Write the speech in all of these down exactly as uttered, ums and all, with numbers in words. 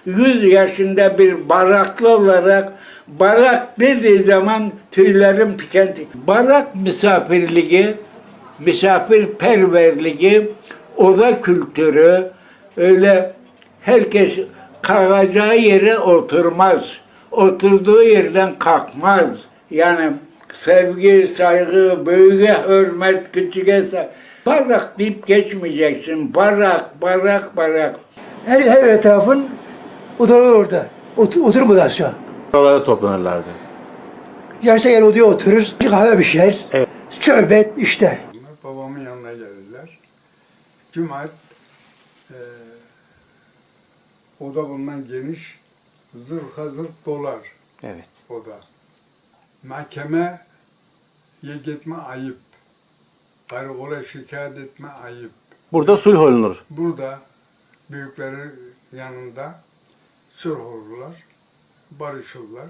yüz yaşında bir baraklı olarak barak dediği zaman tüylerim diken diken. Barak misafirliği, misafirperverliği, oda kültürü, öyle herkes kalacağı yere oturmaz. Oturduğu yerden kalkmaz. Yani sevgi, saygı, büyüğe hürmet, küçüğe saygı. Barak deyip geçmeyeceksin. Barak, barak, barak. Her, her etrafın odaları orada. Otur, oturma aşağı. Oralara toplanırlardı. Yaşta gel odaya oturur, bir kahve pişer. Evet. Sohbet işte. Babamın yanına gelirler. Cuma e, oda bundan geniş, zırha zırh dolar Evet. oda. Mahkemeye gitme ayıp. Karakola şikayet etme ayıp. Burada sulh olunur. Burada büyükleri yanında sulh olurlar, barışırlar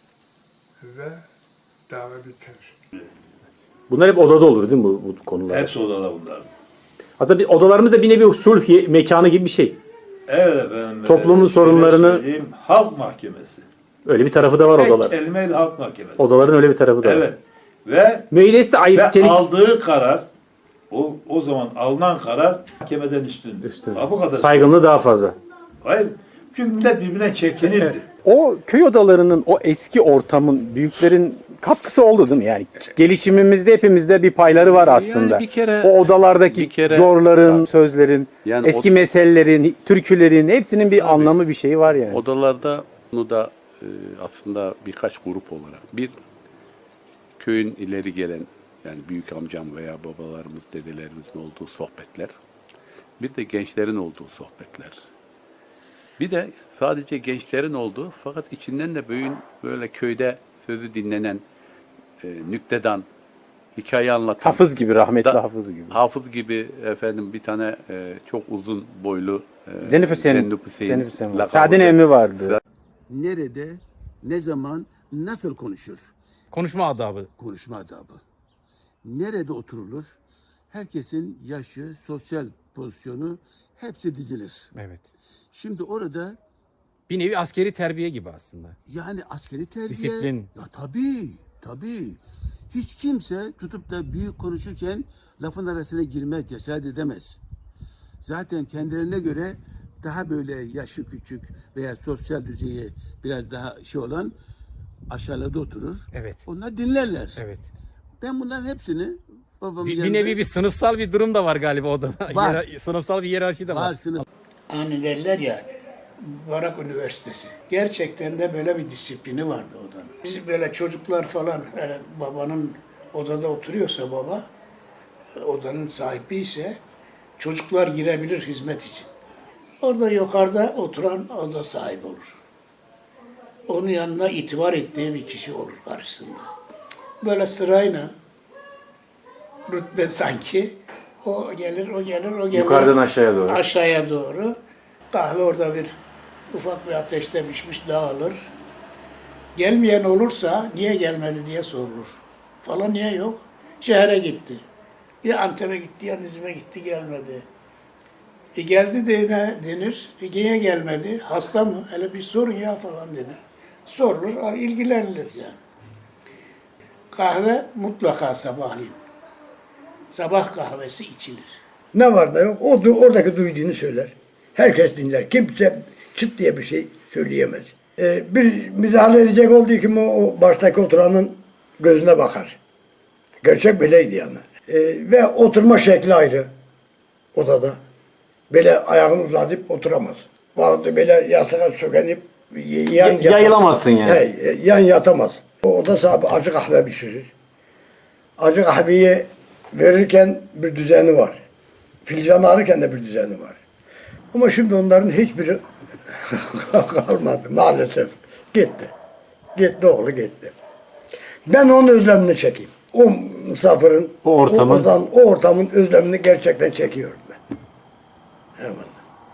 ve dava biter. Bunlar hep odada olur değil mi bu, bu konular? Hepsi odada bunlar. Aslında bir, odalarımız da bir nevi sulh ye- mekanı gibi bir şey. Evet efendim. Toplumun şöyle sorunlarını- söyleyeyim, halk mahkemesi. Öyle bir tarafı da var Tek odalar. kelimeyle halk mahkemesi. Odaların öyle bir tarafı da var. Evet. Ve, Müeyyidesi de ve ayıp, çelik. aldığı karar, o o zaman alınan karar mahkemeden üstündür. Üstün. Ha, bu kadar. Saygınlığı daha fazla. Hayır. Çünkü millet birbirine çekinirdi. O köy odalarının, o eski ortamın, büyüklerin katkısı oldu değil mi? Yani gelişimimizde hepimizde bir payları var aslında. Yani bir kere- o odalardaki bir kere- zorların, Tabii. sözlerin, Yani eski o- meselelerin, türkülerin hepsinin bir anlamı, bir şeyi var yani. Odalarda bunu da e, aslında birkaç grup olarak bir köyün ileri gelen yani büyük amcam veya babalarımız, dedelerimizin olduğu sohbetler. Bir de gençlerin olduğu sohbetler. Bir de sadece gençlerin olduğu fakat içinden de büyüğün böyle köyde sözü dinlenen e, nüktedan, hikaye anlatan. Hafız gibi, rahmetli Da- Hafız gibi. Hafız gibi efendim bir tane e, çok uzun boylu e, Zenip Hüseyin, Zenip Hüseyin Zenip Hüseyin var. lakabı. Saaden emmi vardı. Nerede, ne zaman, nasıl konuşur? Konuşma adabı. Konuşma adabı. Nerede oturulur? Herkesin yaşı, sosyal pozisyonu hepsi dizilir. Evet. Şimdi orada Bir nevi askeri terbiye gibi aslında. yani askeri terbiye... Disiplin. Ya tabii, tabii. Hiç kimse tutup da büyük konuşurken lafın arasına girmez, cesaret edemez. Zaten kendilerine göre daha böyle yaşı küçük veya sosyal düzeyi biraz daha şey olan aşağılarda oturur. Evet. Onlar dinlerler. Evet. Ben bunların hepsini babamın Bir, bir yanında... nevi bir sınıfsal bir durum da var galiba odada. Var. Yera- sınıfsal bir hiyerarşi de var. var sınıf. Hani derler ya, Barak Üniversitesi. Gerçekten de böyle bir disiplini vardı odanın. Biz böyle çocuklar falan, yani babanın odada oturuyorsa baba, odanın sahibi ise çocuklar girebilir hizmet için. Orada yukarıda oturan oda sahibi olur. Onun yanına itibar ettiği bir kişi olur karşısında. Böyle sırayla rütbe sanki o gelir, o gelir, o gelir. Yukarıdan aşağıya doğru. Aşağıya doğru. Kahve orada bir ufak bir ateşte pişmiş dağılır. Gelmeyen olursa niye gelmedi diye sorulur. Falan niye yok? Şehre gitti. Ya Antep'e gitti ya Nizip'e gitti gelmedi. E geldi de ne denir? E niye gelmedi? Hasta mı? Hele bir sorun ya falan denir. Sorulur, ilgilenilir yani. Kahve mutlaka sabahleyin. Sabah kahvesi içilir. Ne var da yok, o du- oradaki duyduğunu söyler. Herkes dinler. Kimse çıt diye bir şey söyleyemez. Ee, bir müdahale edecek olduğu kim o, o baştaki oturanın gözüne bakar. Gerçek böyleydi yani. Ee, ve oturma şekli ayrı odada. Böyle ayağını uzatıp oturamaz. Bazı böyle yastığa sökenip y- yan Y- yayılamazsın yani. He, yan yatamaz. O oda sahibi acı kahve pişirir. Acı kahveyi verirken bir düzeni var. Filcanı alırken de bir düzeni var. Ama şimdi onların hiçbiri kalmadı maalesef. Gitti. Gitti oğlu gitti. Ben onun özlemini çekeyim. O misafirin, O ortamın- o, odan- o ortamın özlemini gerçekten çekiyorum ben. Hemen.